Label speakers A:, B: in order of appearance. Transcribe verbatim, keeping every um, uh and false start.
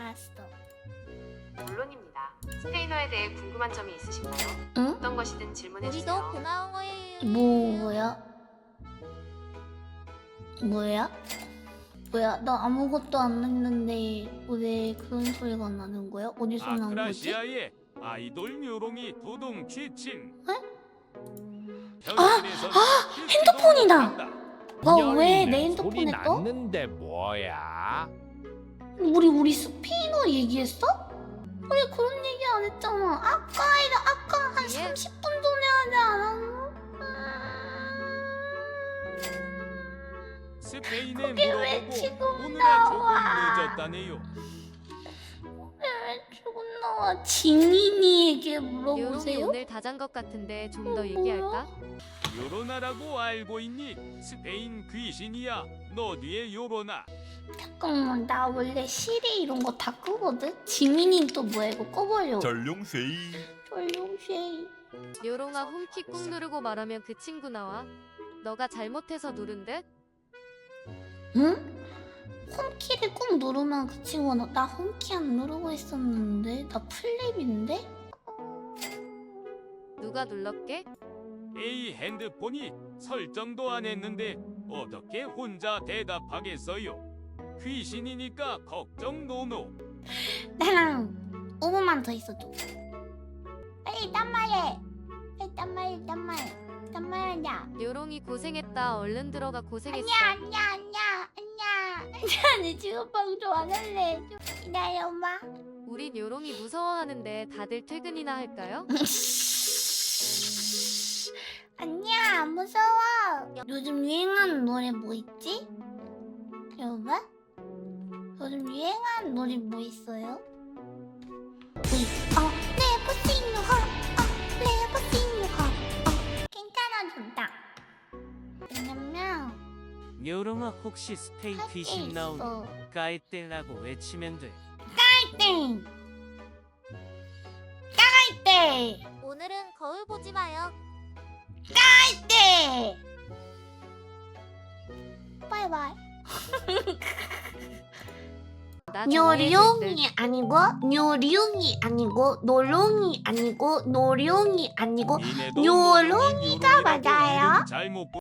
A: 알았어.
B: 물론입니다. 스페인어에 대해 궁금한 점이 있으신가요?
A: 응?
B: 어떤 것이든 질문해주세요.
C: 우리도 고마워해.
A: 뭐야? 뭐야? 뭐야? 나 아무것도 안 했는데 왜 그런 소리가 나는 거야? 어디서 난 거지?
D: 아크라시아의 아이돌 묘롱이 도동 취침.
A: 에?
D: 아!
A: 아! 핸드폰이다! 너 왜 내
E: 열리네. 소리
A: 핸드폰에 떠?
E: 났는데 뭐야?
A: 우리 우리 스페인어 얘기했어? 우리 그런 얘기 안 했잖아. 아까 아까 한
C: 예.
A: 삼십 분 전에 하지 않았나?
D: 스페인에
A: 그게 왜
D: 물어보고
A: 지금
D: 오느라 조금
A: 나와?
D: 늦었다네요.
A: 왜 죽은 나와? 지민이에게
C: 요롱이
A: 물어보세요?
C: 오늘 다 잔 것 같은데 좀
A: 어,
C: 더 얘기할까?
D: 요로나라고 알고 있니? 스페인 귀신이야. 너 뒤에 요로나.
A: 잠깐만, 나 원래 시리 이런 거 다 끄거든? 지민이 또 뭐야? 이거 꺼버려.
F: 전룡쉐이.
A: 전룡쉐이.
C: 요롱아 홈키 꾹 누르고 말하면 그 친구 나와. 너가 잘못해서 누른 듯?
A: 응? 홈키를 꾹 누르면 그 친구가 나, 나 홈키 안 누르고 있었는데? 나 플립인데?
C: 누가 눌렀게?
D: 에이 핸드폰이 설정도 안 했는데 어떻게 혼자 대답하겠어요? 귀신이니까 걱정 노노.
A: 나랑 오 분만 더 있어줘. 빨리 딴 말해. 빨리 딴 말해, 딴 말. 딴 말하자.
C: 요롱이 고생했다. 얼른 들어가 고생했어.
A: 아니야, 아니야, 아니야, 아니야. 아니야, 내 지금 방송 안 할래. 좀 기다려, 엄마.
C: 우린 요롱이 무서워하는데 다들 퇴근이나 할까요?
A: 아니야, 안 무서워. 요즘 유행하는 노래 뭐 있지? 여러분? 요즘 유행하는 노래 뭐 있어요? We are never seen you hurt. Uh, never seen you hurt. Uh, 괜찮아졌다. 왜냐면
G: 요롱아 혹시 스페인
A: 할 게
G: 귀신 나오면
A: 있어.
G: 까이떼라고 외치면 돼.
A: 땡! 까이떼!
C: 오늘은 거울 보지 마요.
A: 까이떼! 바이바이.
C: 나 정리해줄 듯.
A: 요룡이 아니고 요룡이 아니고 노롱이 아니고 노룡이 아니고
D: 니네도
A: 요롱이가
D: 요롱이라고
A: 맞아요?
D: 이름 잘못